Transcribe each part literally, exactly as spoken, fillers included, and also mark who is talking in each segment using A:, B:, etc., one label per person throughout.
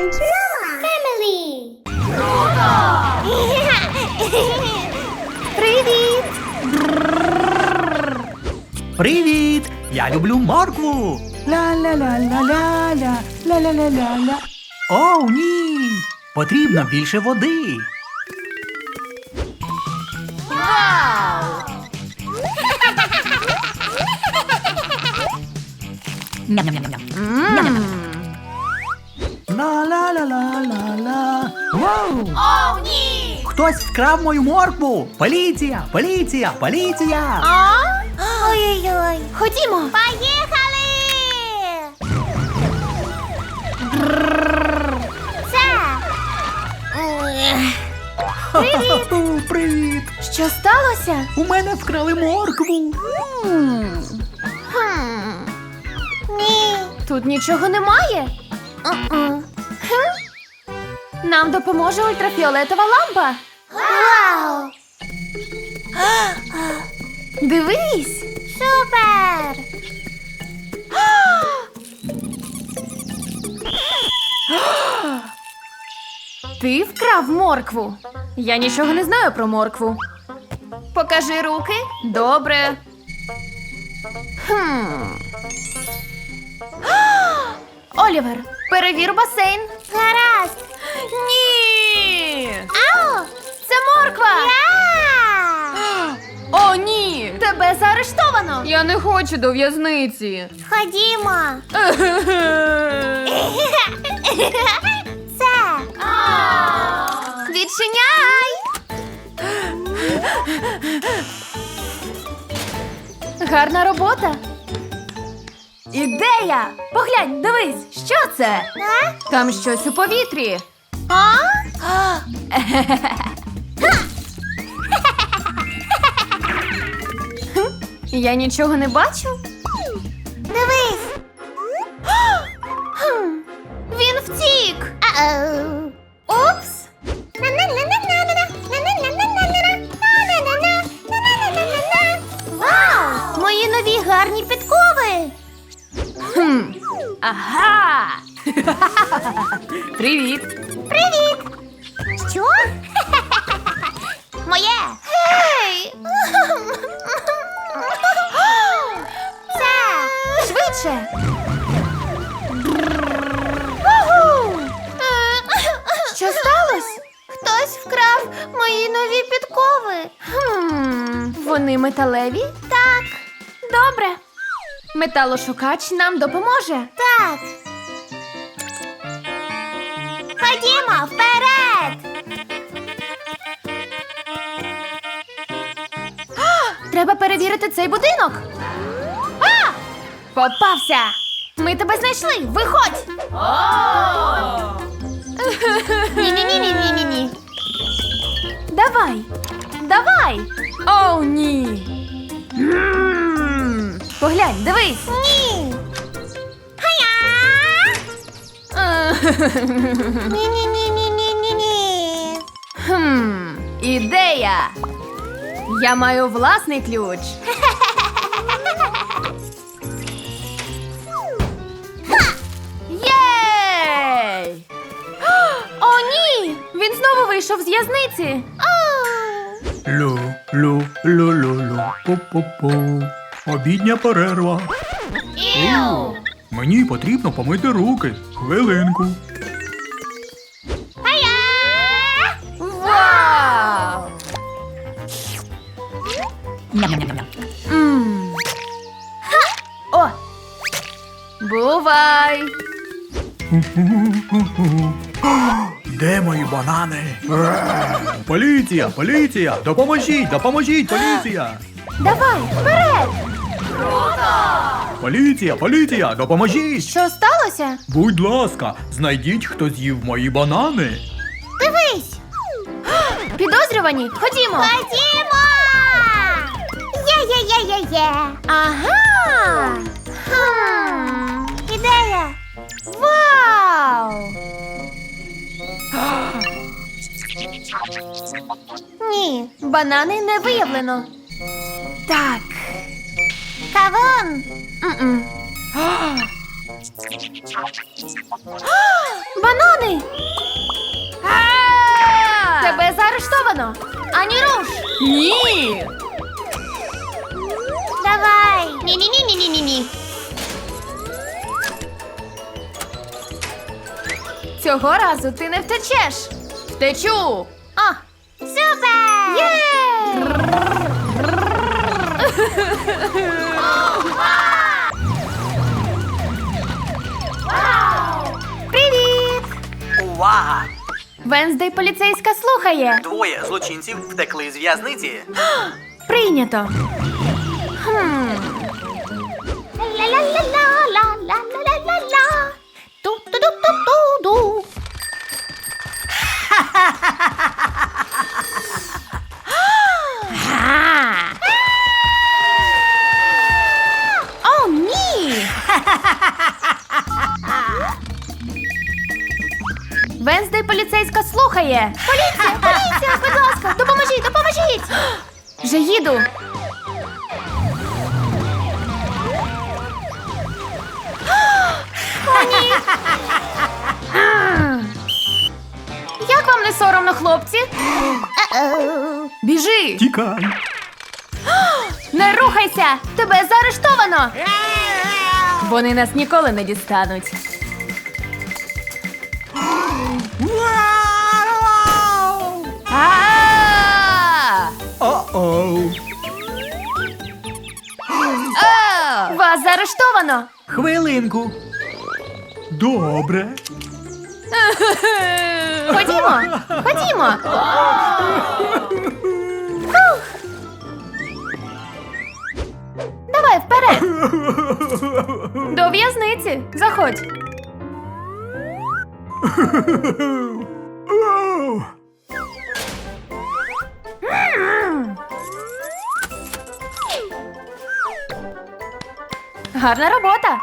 A: and Noah Family.
B: Привіт!
C: Привіт! Я люблю моркву! Ла-ла-ла-ла-ла-ла, ла-ла-ла-ла-ла. О, ні! Потрібно більше води.
B: Вау!
C: Ла-ла-ла-ла-ла-ла. Вау!
B: О, ні!
C: Хтось вкрав мою моркву! Поліція! Поліція! Поліція!
B: А?
A: Ой-ой-ой.
B: Ходімо!
A: Поїхали! Це.
C: Ха-ха-ха, привіт!
B: Що сталося?
C: У мене вкрали моркву!
B: М,
A: Хм. Ні.
B: Тут нічого немає.
A: Uh-uh.
B: Нам допоможе ультрафіолетова лампа.
A: Вау!
B: Дивись!
A: Супер!
B: Ти вкрав моркву. Я нічого не знаю про моркву. Покажи руки. Добре. Хм. Олівер, перевір басейн.
A: Гаразд!
B: Ні!
A: Ау!
B: Це морква!
A: Я!
B: О, ні! Тебе заарештовано! Я не хочу до в'язниці.
A: Ходімо! Це!
B: Відчиняй! Гарна робота. Ідея! Поглянь, дивись, що це?
A: А?
B: Там щось у повітрі.
A: А?
B: Я нічого не бачу.
A: Дивись!
B: Хм, Він втік.
A: Ау!
B: Упс!
A: Вау! Мої нові гарні підкови!
B: Хм. Ага! Привіт!
A: Привіт! Що? Моє!
B: Гей!
A: Це!
B: Швидше! Що сталося?
A: Хтось вкрав мої нові підкови.
B: Хм, Вони металеві?
A: Так,
B: Добре. Металошукач нам допоможе.
A: так. Ходімо, вперед!
B: Треба перевірити цей будинок. А! Попався! Ми тебе знайшли! Виходь!
A: Ні-ні-ні-ні-ні-ні.
B: Давай! Давай! Оу, ні! М, Поглянь, дивись!
A: Ні! Хая! Ні-ні-ні-ні-ні-ні.
B: Хм, ідея! Я маю власний ключ. Єй! О, ні! Він знову вийшов з в'язниці.
C: Лю, лю, лю, лю, лю, пу-пу-пу. Обідня перерва.
A: Іу!
C: Мені потрібно помити руки. Хвилинку.
A: Хая!
B: Вау! М. О! Бувай!
C: Де мої банани? Поліція, поліція! Допоможіть, допоможіть, поліція!
B: Давай, вперед!
C: Поліція, поліція, допоможіть!
B: Що сталося?
C: Будь ласка, знайдіть, хто з'їв мої банани.
A: Дивись!
B: Підозрювані, ходімо!
A: Ходімо! Є-є-є-є-є!
B: Ага!
A: Хм. Ідея!
B: Вау!
A: Ні.
B: Банани не виявлено. Так.
A: Кавун!
B: М-м. Банани! Тебе заарештовано! Ані руш! Ні!
A: Давай. Ні-ні-ні-ні-ні-ні.
B: Цього разу ти не втечеш! Втечу! А!
A: Супер!
B: Є! Привіт!
C: Увага!
B: Венздей поліцейська слухає.
C: Двоє злочинців втекли з в'язниці.
B: Прийнято. Хм.
A: Ла-ла-ла-ла-ла-ла-ла-ла-ла. Ту-ту-ду-ту-ту-ду.
B: О, ні! Венздей поліцейська слухає.
A: Поліція, поліція, будь ласка, допоможіть, допоможіть.
B: Вже їду. О, ні! Як вам не соромно, хлопці?
A: Е-оу.
B: Біжи!
C: Тікай!
B: Не рухайся! Тебе заарештовано! Вони нас ніколи не дістануть. А!
C: О-оу!
B: А! Вас заарештовано!
C: Хвилинку. Добре.
B: Ходімо! Ходімо! Давай вперед! До в'язниці! Заходь! Гарна робота!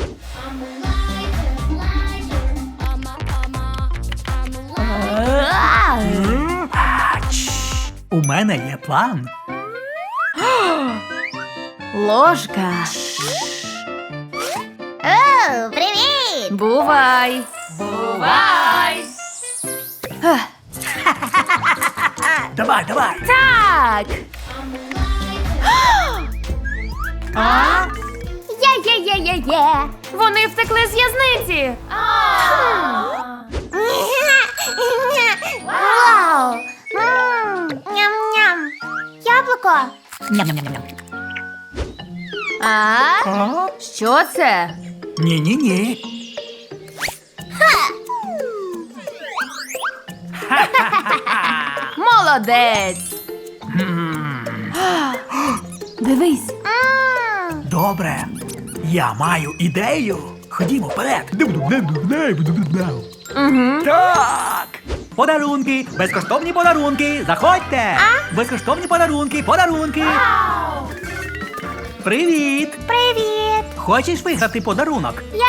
C: У мене є план.
B: Ложка!
A: О, привіт!
B: Бувай! Бувай!
C: Давай, давай.
B: Так!
C: А?
B: Є-є-є-є-є! Вони втекли з в'язниці!
A: Вау! М, Ням-ням. Яблуко.
C: Ням-ням-ням-ням.
B: А?
C: А?
B: Що це?
C: Ні-ні-ні.
B: Молодець! Дивись!
A: М,
C: Добре. Я маю ідею. Ходімо вперед.
B: Угу.
C: Так. Подарунки, безкоштовні подарунки. Заходьте. Безкоштовні подарунки, подарунки. Привіт.
A: Привіт!
C: Хочеш виграти подарунок?
A: Я!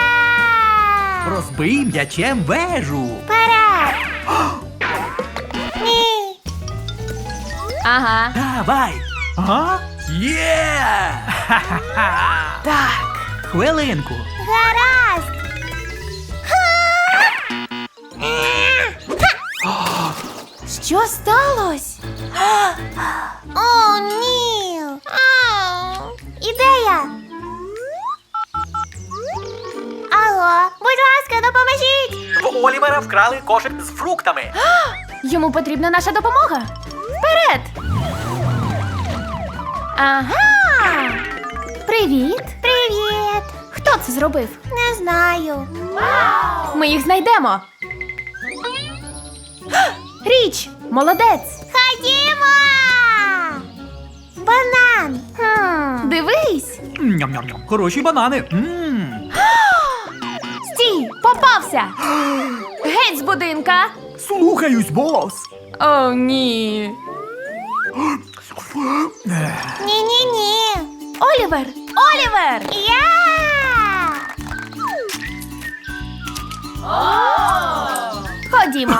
C: Розбий м'ячем вежу.
A: Вперед! Ні!
B: Ага.
C: Давай. Ага. Є! Ха-ха-ха.
B: Так.
C: Хвилинку.
A: Гаразд!
B: Що сталося?
A: О, ні! Ау. Ідея! Алло, будь ласка, допоможіть!
C: В Олівера вкрали кошик з фруктами.
B: Йому потрібна наша допомога. Вперед! Ага! Привіт!
A: Привіт!
B: Хто це зробив?
A: Не знаю.
B: Ми їх знайдемо. Річ! Молодець!
A: Ходімо! Банан!
B: Хм, дивись!
C: Ням-ням-ням. Хороші банани. М.
B: Стій! Попався! Геть з будинка!
C: Слухаюсь, бос.
B: О, ні!
A: Ні-ні-ні!
B: Олівер! Олівер!
A: Я!
B: Ходімо!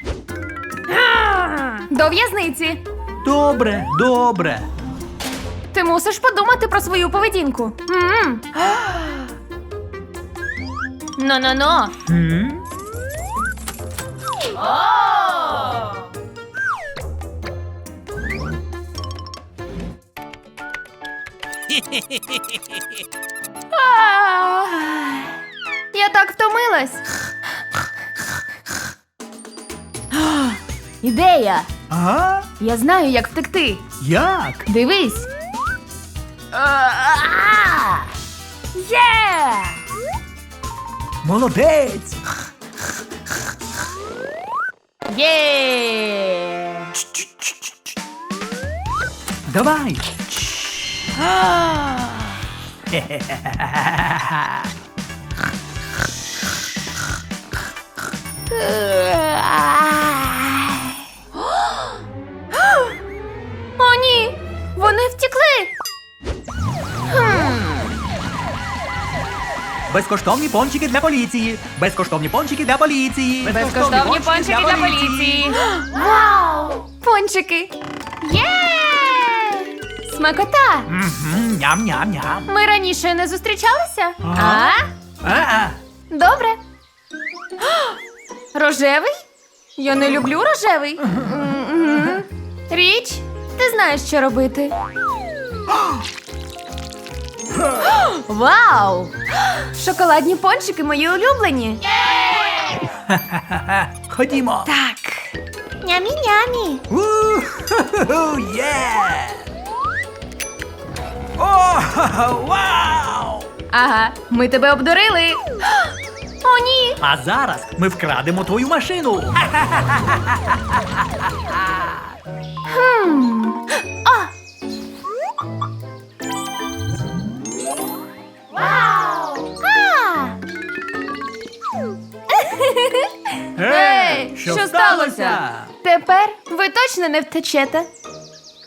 B: До в'язниці!
C: Добре, добре.
B: Ти мусиш подумати про свою поведінку. М. Ну-ну-ну.
C: М?
B: А, Я так втомилась. Ідея!
C: А?
B: Я знаю, як втекти.
C: Як?
B: Дивись. Є!
C: Молодець!
B: Є!
C: Давай!
B: О, ні! Вони втекли!
C: Безкоштовні пончики для поліції! Безкоштовні пончики для поліції!
B: Безкоштовні пончики для поліції! Вау! Пончики! Є! Смакота!
C: Мгм, ням-ням-ням!
B: Ми раніше не зустрічалися?
C: Ага.
B: А?
C: А-а.
B: Добре. Рожевий? Я не люблю рожевий. Мгм. Річ, ти знаєш, що робити. Вау! Шоколадні пончики мої улюблені.
C: Ходімо!
B: Так.
A: Нямі-нямі.
C: У-ху-ху, є! О, вау!
B: Ага, ми тебе обдурили. О, ні!
C: А зараз ми вкрадемо твою машину!
B: Хм. А!
A: А!
B: Ей, що сталося? Тепер ви точно не втечете.